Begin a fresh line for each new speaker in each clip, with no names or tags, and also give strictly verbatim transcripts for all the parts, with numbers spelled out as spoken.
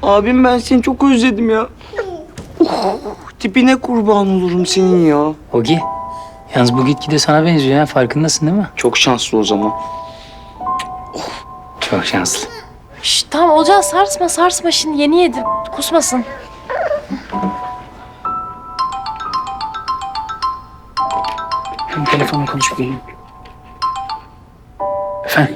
Abim ben seni çok özledim ya. Oh, tipine kurban olurum senin ya.
Ogi, yalnız bu gitgide sana benziyor ya. Farkındasın değil mi?
Çok şanslı o zaman.
Çok şanslı.
Şşt, tamam Olcan sarsma sarsma şimdi yeni yedim. Kusmasın.
Ben telefonla konuşup geleyim. Efendim?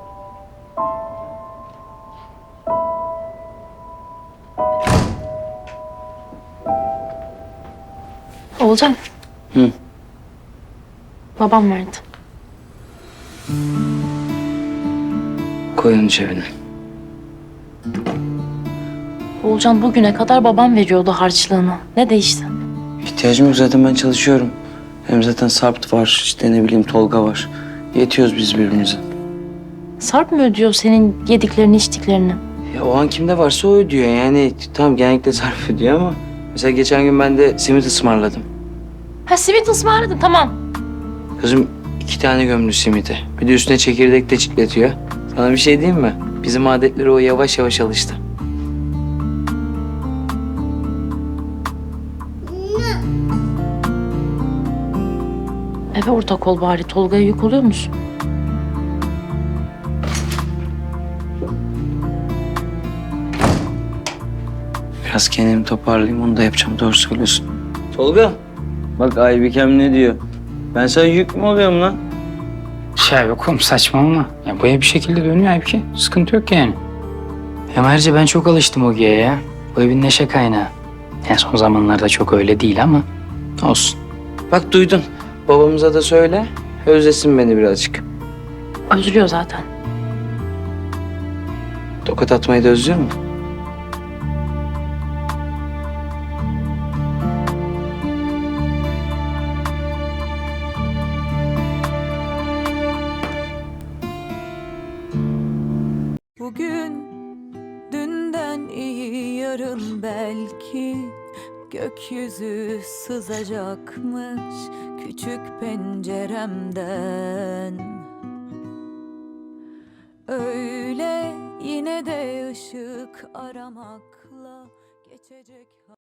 Olcan.
Hı.
Babam verdi.
Koy onu cebine.
Olcan bugüne kadar babam veriyordu harçlığını. Ne değişti?
İhtiyacım yok, zaten ben çalışıyorum. Hem zaten Sarp var, işte ne bileyim Tolga var. Yetiyoruz biz birbirimize.
Sarp mı ödüyor senin yediklerini içtiklerini?
Ya o an kimde varsa o ödüyor yani. Tamam, genellikle Sarp ödüyor ama... Mesela geçen gün ben de simit ısmarladım.
Ha simit ısmarladın tamam.
Kızım iki tane gömdü simiti. Bir de üstüne çekirdek de çitletiyor. Sana bir şey diyeyim mi? Bizim adetleri o yavaş yavaş alıştı.
Eve ortak ol bari. Tolga'ya yük oluyor musun?
Biraz kendimi toparlayayım, onu da yapacağım. Doğru söylüyorsun. Tolga, bak Aybikem ne diyor? Ben sana yük mü oluyorum lan?
Şey yok oğlum, saçmalama. Ya bu ev bir şekilde dönüyor halbuki. Sıkıntı yok yani. Hem ayrıca ben çok alıştım Ogi'ye ya. Bu evin neşe kaynağı. Yani son zamanlarda çok öyle değil ama olsun.
Bak duydun. Babamıza da söyle. Özlesin beni birazcık.
Özlüyor zaten.
Tokat atmayı da özlüyor mu?
Bugün dünden iyi yarın belki gökyüzü sızacakmış küçük penceremden. Öyle yine de ışık aramakla geçecek.